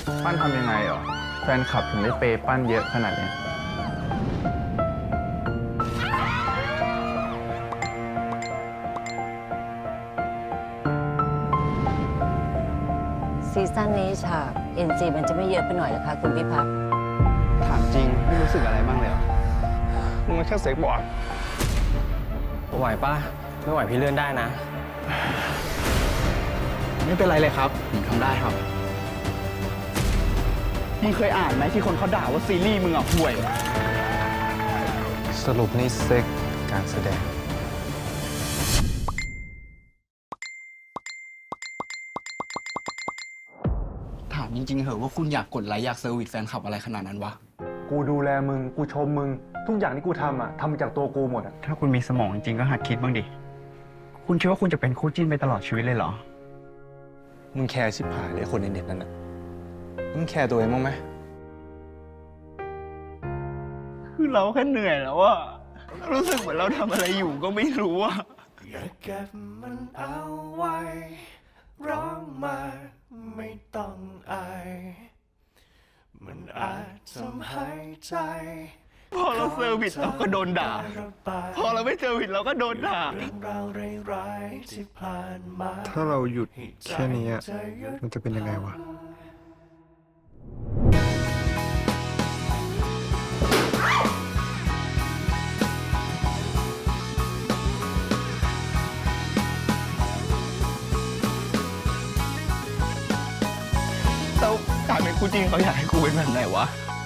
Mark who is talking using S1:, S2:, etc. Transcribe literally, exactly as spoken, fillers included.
S1: ปั้นทำยังไงเหรอแฟนคลับถึงได้เปย์ปั้นเยอะขนาดเนี้ย
S2: ซีซั่นนี้ฉาก เอ็น จี มันจะไม่เยอะไปหน่อยเหรอคะคุณพิพัฒน์
S3: ถามจริงไม่รู้สึกอะไรบ้างเลยเหรอ
S1: มึงมันแค่เซ็กบอร์ด
S4: ไหวป่ะ ไม่ไหวพี่เลื่อนได้นะ
S3: ไม่เป็นไรเลยครับผมทำได้ครับ มึงเคยอ่านไหมที่คนเขาด่าว่าซีรีส์มึงอ่ะห่วย
S1: สรุปนี่เซ็กการแสดง
S3: ถามจริงๆเหอะว่าคุณอยากกดไลค์อยากเซอร์วิสแฟนคลับอะไรขนาดนั้นวะ
S5: กูดูแลมึง กูชมมึง ทุกอย่างที่กูทำอ่ะทำมาจากตัวกูหมดอ่ะ
S3: ถ้าคุณมีสมองจริงๆก็หัดคิดบ้างดิ คุณคิดว่าคุณจะเป็นคู่จิ้นไปตลอดชีวิตเลยเหรอ
S1: มึงแคร์ชิบหายเลยคนในเน็ตนั่นน่ะมึงแคร์ตัวเองบ้างไหม
S3: คือเราแค่เหนื่อยแล้วอะรู้สึกเหมือนเราทำอะไรอยู่ก็ไม่รู้อะ
S6: อย่าเก็บมันเอาไว้ ร้องมาไม่ต้องอาย มันอาจทำให้ใจ
S3: พอเราเซอร์วิสเราก็โดนด่า พอเราไม่เซอร์วิสเราก็โดนด่า
S6: เรื่องราวร้ายๆที่ผ่านมา
S5: ถ้าเราหยุดแค่นี้อะมันจะเป็นยังไงวะ
S3: แล้วการเป็นคู่จิ้นเขาอยากให้กูเป็นแบบไหนวะ